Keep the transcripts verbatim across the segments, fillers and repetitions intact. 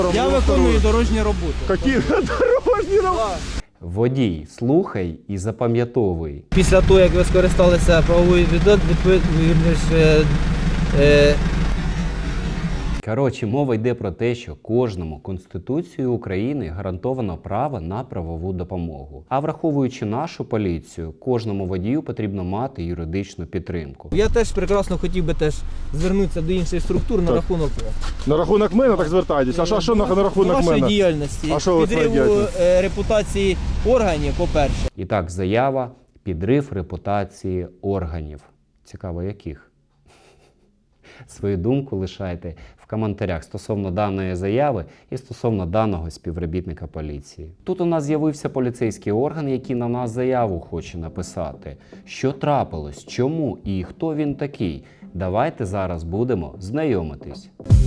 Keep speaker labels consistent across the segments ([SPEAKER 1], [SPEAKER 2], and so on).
[SPEAKER 1] Я виконую дорожні роботи.
[SPEAKER 2] Які дорожні роботи?
[SPEAKER 3] Водій, слухай і запам'ятовуй.
[SPEAKER 1] Після того, як ви скористалися правовою відповідальністю,
[SPEAKER 3] Коротше, мова йде про те, що кожному Конституцією України гарантовано право на правову допомогу. А враховуючи нашу поліцію, кожному водію потрібно мати юридичну підтримку.
[SPEAKER 1] я теж прекрасно хотів би теж звернутися до інших структур на
[SPEAKER 2] Так.
[SPEAKER 1] рахунок
[SPEAKER 2] На рахунок мене так звертайтесь. А що, а що на, на рахунок
[SPEAKER 1] вашої
[SPEAKER 2] мене?
[SPEAKER 1] діяльності,
[SPEAKER 2] А що ви
[SPEAKER 1] підриву
[SPEAKER 2] своєю
[SPEAKER 1] е, репутації органів, по-перше.
[SPEAKER 3] І так, заява – підрив репутації органів. Цікаво, яких? Свою думку лишайте в коментарях стосовно даної заяви і стосовно даного співробітника поліції. Тут у нас з'явився поліцейський орган, який на нас заяву хоче написати. Що трапилось, чому і хто він такий? Давайте зараз будемо знайомитись.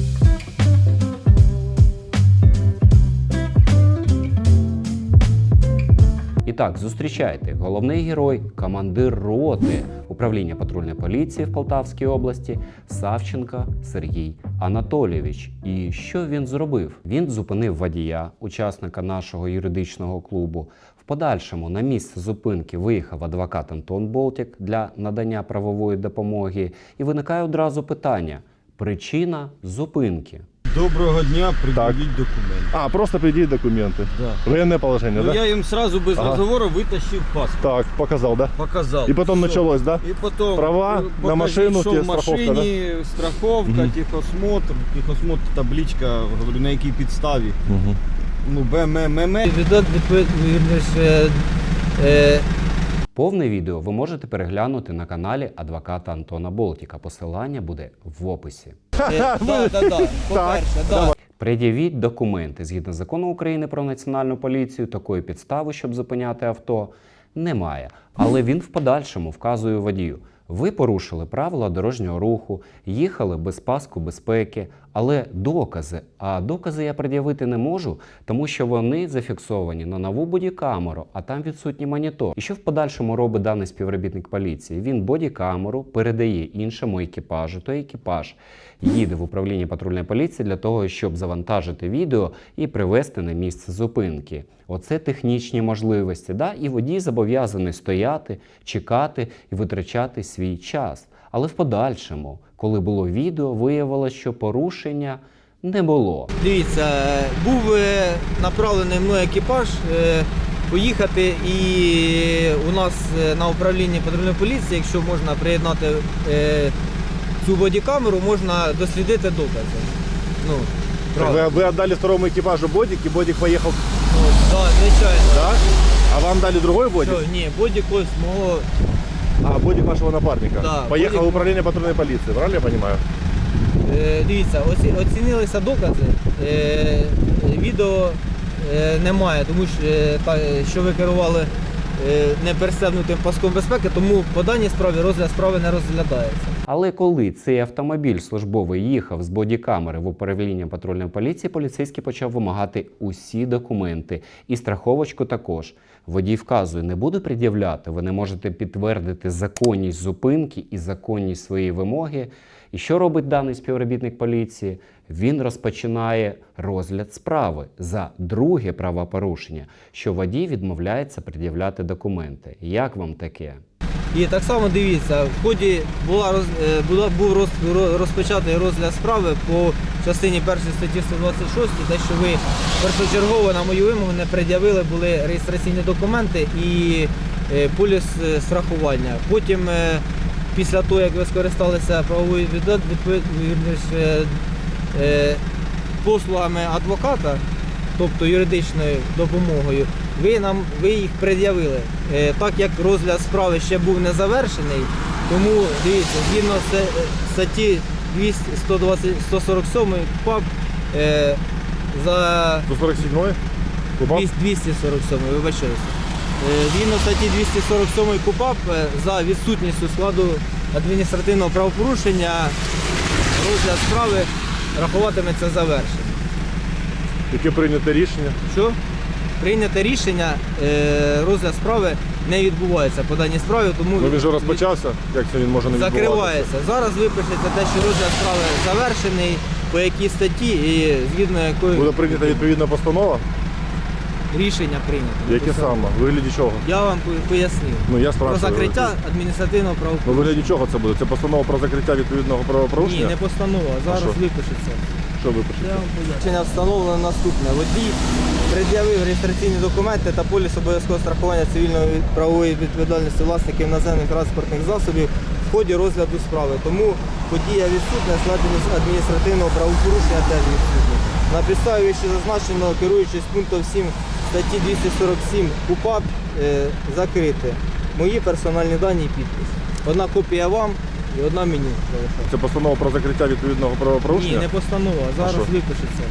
[SPEAKER 3] І так, зустрічайте, головний герой, командир роти управління патрульної поліції в Полтавській області Савченко Сергій Анатолійович. І що він зробив? Він зупинив водія, учасника нашого юридичного клубу. В подальшому на місце зупинки виїхав адвокат Антон Болтік для надання правової допомоги. І виникає одразу питання – причина зупинки.
[SPEAKER 4] Доброго дня, предъявить документы.
[SPEAKER 2] А, просто предъявить документы.
[SPEAKER 4] Да.
[SPEAKER 2] Военное положение,
[SPEAKER 4] Ну,
[SPEAKER 2] да?
[SPEAKER 4] я им сразу без
[SPEAKER 2] Ага.
[SPEAKER 4] разговора вытащил паспорт.
[SPEAKER 2] Так, показал, да?
[SPEAKER 4] Показал.
[SPEAKER 2] И потом
[SPEAKER 4] Всё.
[SPEAKER 2] началось, да?
[SPEAKER 4] И потом
[SPEAKER 2] Права
[SPEAKER 4] э,
[SPEAKER 2] на
[SPEAKER 4] покажи,
[SPEAKER 2] машину,
[SPEAKER 4] что
[SPEAKER 2] тебе
[SPEAKER 4] в
[SPEAKER 2] страховка,
[SPEAKER 4] машине, страховка,
[SPEAKER 2] Мгм.
[SPEAKER 4] техосмотр, техосмотр, табличка, говорю, на якій підставі.
[SPEAKER 2] Угу.
[SPEAKER 4] Ну, БММ.
[SPEAKER 1] Відповідальність, е,
[SPEAKER 3] Повне відео ви можете переглянути на каналі адвоката Антона Болтіка. Посилання буде в описі.
[SPEAKER 1] е, да, да, да, по-перше, да.
[SPEAKER 3] Пред'явіть документи. Згідно закону України про національну поліцію, такої підстави, щоб зупиняти авто, немає. Але він в подальшому вказує водію. Ви порушили правила дорожнього руху, їхали без паску безпеки, але докази, а докази я пред'явити не можу, тому що вони зафіксовані на нову бодікамеру, а там відсутній монітор. І що в подальшому робить даний співробітник поліції? Він бодікамеру передає іншому екіпажу, той екіпаж їде в управління патрульної поліції для того, щоб завантажити відео і привезти на місце зупинки. Оце технічні можливості, да? І водій зобов'язаний стояти, чекати і витрачати свій час. Але в подальшому, коли було відео, виявилося, що порушення не було.
[SPEAKER 1] Дивіться, е, був е, направлений мною екіпаж е, поїхати, і у нас е, на управлінні патрульної поліції, якщо можна приєднати е, цю бодікамеру, можна дослідити докази. Ну, правда.
[SPEAKER 2] Вы, вы отдали второму экипажу бодик, и бодик поехал,
[SPEAKER 1] Ну, да, звичайно.
[SPEAKER 2] да? А вам дали другой бодик?
[SPEAKER 1] Що, ні, бодік ось мого.
[SPEAKER 2] А, бодик вашего напарника.
[SPEAKER 1] Да,
[SPEAKER 2] Поехал
[SPEAKER 1] бодик-
[SPEAKER 2] в управление патрульной полиции, правильно я понимаю?
[SPEAKER 1] Е, дивіться, оці, оцінилися докази. Е, відео е, немає, тому що, е, та, що ви керували е, не перестебнутим паском безпеки, тому по даній справі розгляд справи не розглядається.
[SPEAKER 3] Але коли цей автомобіль службовий їхав з бодікамери в управління патрульної поліції, поліцейський почав вимагати усі документи і страховочку також. Водій вказує, не буду пред'являти, ви не можете підтвердити законність зупинки і законність своєї вимоги. І що робить даний співробітник поліції? Він розпочинає розгляд справи за друге правопорушення, що водій відмовляється пред'являти документи. Як вам таке?
[SPEAKER 1] І так само дивіться, в ході була, роз, е, була, був роз, ро- розпочатий розгляд справи по частині першої статті сто двадцять шість, те, що ви першочергово на мою вимогу не пред'явили були реєстраційні документи і е, поліс е, страхування. Потім, е, після того, як ви скористалися правовою відповідальністю, е, послугами адвоката, тобто юридичною допомогою, ви нам ви їх пред'явили. Е, так як розгляд справи ще був не завершений, тому дивіться, згідно з- статті двісті, сто двадцять, сто сорок сім КУпАП е, за
[SPEAKER 2] сто сорок седьмой? Кубак?
[SPEAKER 1] двісті сорок сім, вибачаюся. Е, Згідно статті двісті сорок сім КУпАП е, за відсутністю складу адміністративного правопорушення розгляд справи рахуватиметься завершеним.
[SPEAKER 2] Яке прийнято рішення?
[SPEAKER 1] Що? Прийняте рішення, е, розгляд справи не відбувається по даній справі, тому
[SPEAKER 2] Ну він же розпочався, як це він може не відбуватися?
[SPEAKER 1] закривається. Зараз ви пишете те, що розгляд справи завершений, по якій статті і згідно якої
[SPEAKER 2] Буде прийнята відповідна постанова?
[SPEAKER 1] рішення прийнято.
[SPEAKER 2] Яке саме? У вигляді чого?
[SPEAKER 1] Я вам по- пояснив.
[SPEAKER 2] Ну я
[SPEAKER 1] Про
[SPEAKER 2] спрашиваю.
[SPEAKER 1] закриття адміністративного
[SPEAKER 2] Ну, у
[SPEAKER 1] правопорушення.
[SPEAKER 2] вигляді чого це буде? Це постанова про закриття відповідного
[SPEAKER 1] Ні,
[SPEAKER 2] правопорушення?
[SPEAKER 1] не постанова, зараз
[SPEAKER 2] що?
[SPEAKER 1] випишеться.
[SPEAKER 2] Що ви пишете?
[SPEAKER 1] Я вам поясню. Рішення встановлено наступне. Водій пред'явив реєстраційні документи та поліс обов'язкового страхування цивільної правової відповідальності власників наземних транспортних засобів в ході розгляду справи. Тому подія відсутня, склад адміністративного правопорушення теж відсутня. На підставі вище зазначеного, керуючись пунктом сім статті двісті сорок сім КУпАП, е, закрити мої персональні дані і підпис. Одна копія вам і одна мені залишається.
[SPEAKER 2] Це постанова про закриття відповідного
[SPEAKER 1] Ні,
[SPEAKER 2] правопорушення?
[SPEAKER 1] не постанова, зараз
[SPEAKER 2] що?
[SPEAKER 1] випишеться.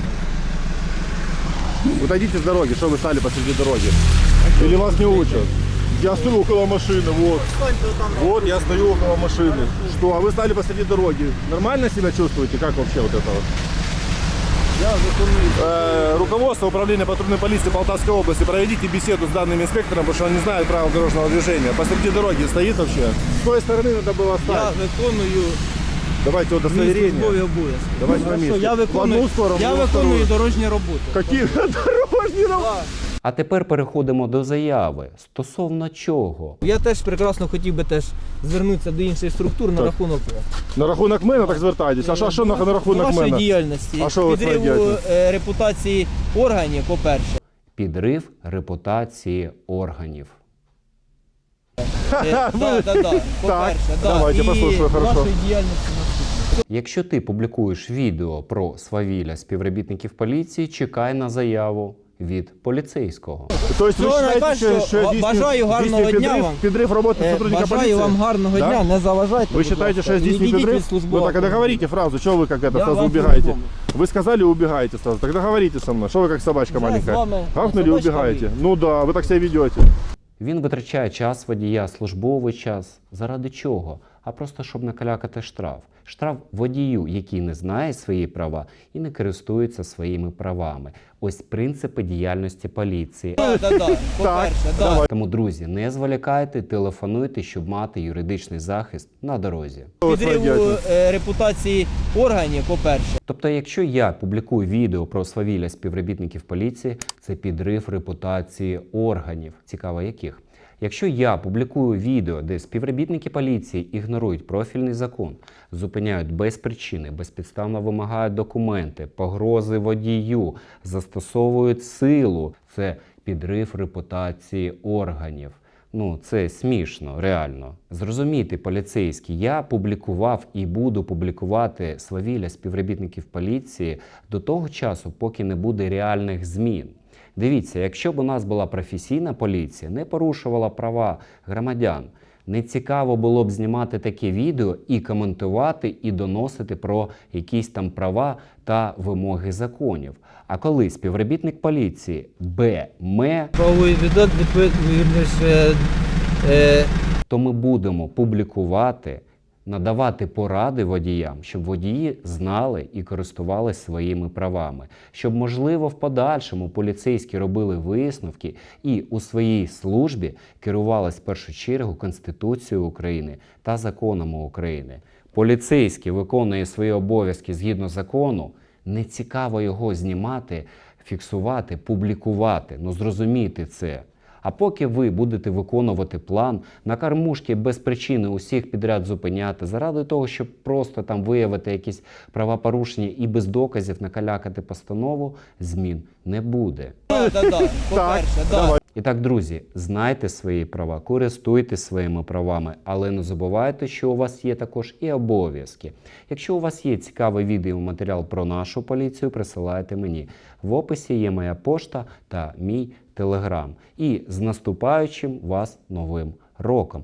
[SPEAKER 2] Отойдите с дороги, что вы стали посреди дороги? Или вас не учат? Я стою около машины, вот. Вот я стою около машины. Что, а вы стали посреди дороги. Нормально себя чувствуете? Как вообще вот это вот?
[SPEAKER 1] Я виконую.
[SPEAKER 2] Э, руководство управления патрульной полиции Полтавской области, проведите беседу с данным инспектором, потому что он не знает правил дорожного движения. Посреди дороги стоит вообще. С той стороны надо было
[SPEAKER 1] Я
[SPEAKER 2] стать.
[SPEAKER 1] виконую
[SPEAKER 2] Давайте
[SPEAKER 1] свої
[SPEAKER 2] удостоверение.
[SPEAKER 1] службові обов'язки.
[SPEAKER 2] Давайте на
[SPEAKER 1] Хорошо,
[SPEAKER 2] місці.
[SPEAKER 1] я
[SPEAKER 2] В
[SPEAKER 1] виконую,
[SPEAKER 2] одну сторону,
[SPEAKER 1] я
[SPEAKER 2] в
[SPEAKER 1] виконую
[SPEAKER 2] вторую.
[SPEAKER 1] дорожні роботи.
[SPEAKER 2] Какие дорожные работы?
[SPEAKER 1] Так.
[SPEAKER 3] А тепер переходимо до заяви. Стосовно чого?
[SPEAKER 1] Я теж прекрасно хотів би теж звернутися до інших структур на
[SPEAKER 2] Так.
[SPEAKER 1] рахунок
[SPEAKER 2] На рахунок мене так звертайтесь. А що, а що на, на рахунок
[SPEAKER 1] вашої
[SPEAKER 2] мене?
[SPEAKER 1] діяльності.
[SPEAKER 2] А що ви
[SPEAKER 1] Підриву
[SPEAKER 2] твердите?
[SPEAKER 1] е, репутації органів, по-перше.
[SPEAKER 3] Підрив репутації органів.
[SPEAKER 1] Е, да, да, да, по-перше, да.
[SPEAKER 2] давайте,
[SPEAKER 1] І
[SPEAKER 2] послухаю, хорошо.
[SPEAKER 1] вашої діяльності наступне.
[SPEAKER 3] Якщо ти публікуєш відео про свавілля співробітників поліції, чекай на заяву від поліцейського.
[SPEAKER 2] То есть ви
[SPEAKER 1] Всього
[SPEAKER 2] вважаєте,
[SPEAKER 1] найкращого.
[SPEAKER 2] що, що здійснює-
[SPEAKER 1] Бажаю гарного
[SPEAKER 2] здійснює
[SPEAKER 1] дня
[SPEAKER 2] підрив,
[SPEAKER 1] вам.
[SPEAKER 2] підрив роботи
[SPEAKER 1] Е,
[SPEAKER 2] сотрудника
[SPEAKER 1] Бажаю
[SPEAKER 2] поліції?
[SPEAKER 1] вам гарного
[SPEAKER 2] Да?
[SPEAKER 1] дня, не заважайте.
[SPEAKER 2] Вы
[SPEAKER 1] будь
[SPEAKER 2] считаете,
[SPEAKER 1] ласка.
[SPEAKER 2] что здесь не
[SPEAKER 1] Відійдіть
[SPEAKER 2] подрыв?
[SPEAKER 1] від службового
[SPEAKER 2] Ну так, а договорите фразу, что вы как это
[SPEAKER 1] Я
[SPEAKER 2] сразу
[SPEAKER 1] вам
[SPEAKER 2] убегаете?
[SPEAKER 1] по-любому.
[SPEAKER 2] Вы сказали, убегаете сразу. Тогда говорите со мной, что вы как собачка
[SPEAKER 1] Я
[SPEAKER 2] маленькая.
[SPEAKER 1] с вами
[SPEAKER 2] Гавкнули,
[SPEAKER 1] собачка
[SPEAKER 2] убегаете.
[SPEAKER 1] вы.
[SPEAKER 2] Ну да, вы так себя ведете.
[SPEAKER 3] Він витрачає час водія, службовий час. Заради чого? А просто щоб накалякати штраф. Штраф водію, який не знає свої права і не користується своїми правами. Ось принципи діяльності поліції.
[SPEAKER 1] Да, да, да. По-перше, да.
[SPEAKER 2] давай.
[SPEAKER 3] Тому, друзі, не зволікайте, телефонуйте, щоб мати юридичний захист на дорозі.
[SPEAKER 2] Что вы
[SPEAKER 1] Підриву
[SPEAKER 2] творите?
[SPEAKER 1] е, репутації органів, по-перше.
[SPEAKER 3] Тобто, якщо я публікую відео про свавілля співробітників поліції, це підрив репутації органів. Цікаво, яких? Якщо я публікую відео, де співробітники поліції ігнорують профільний закон, зупиняють без причини, безпідставно вимагають документи, погрози водію, застосовують силу, це підрив репутації органів. Ну, це смішно, реально. Зрозумійте, поліцейські, я публікував і буду публікувати свавілля співробітників поліції до того часу, поки не буде реальних змін. Дивіться, якщо б у нас була професійна поліція, не порушувала права громадян, не цікаво було б знімати таке відео і коментувати, і доносити про якісь там права та вимоги законів. А коли співробітник поліції Б.М.
[SPEAKER 1] Правовий віддат відповідніше. Е,
[SPEAKER 3] то ми будемо публікувати, надавати поради водіям, щоб водії знали і користувалися своїми правами. Щоб, можливо, в подальшому поліцейські робили висновки і у своїй службі керувалися в першу чергу Конституцією України та законами України. Поліцейський виконує свої обов'язки згідно закону, не цікаво його знімати, фіксувати, публікувати. Ну зрозумійте це. А поки ви будете виконувати план, на кормушки без причини усіх підряд зупиняти, заради того, щоб просто там виявити якісь правопорушення і без доказів накалякати постанову, змін не буде.
[SPEAKER 1] да, да, да. По-перше, да.
[SPEAKER 2] давай.
[SPEAKER 3] І так, друзі, знайте свої права, користуйтесь своїми правами, але не забувайте, що у вас є також і обов'язки. Якщо у вас є цікавий відеоматеріал про нашу поліцію, присилайте мені. В описі є моя пошта та мій телеграм. І з наступаючим вас новим роком!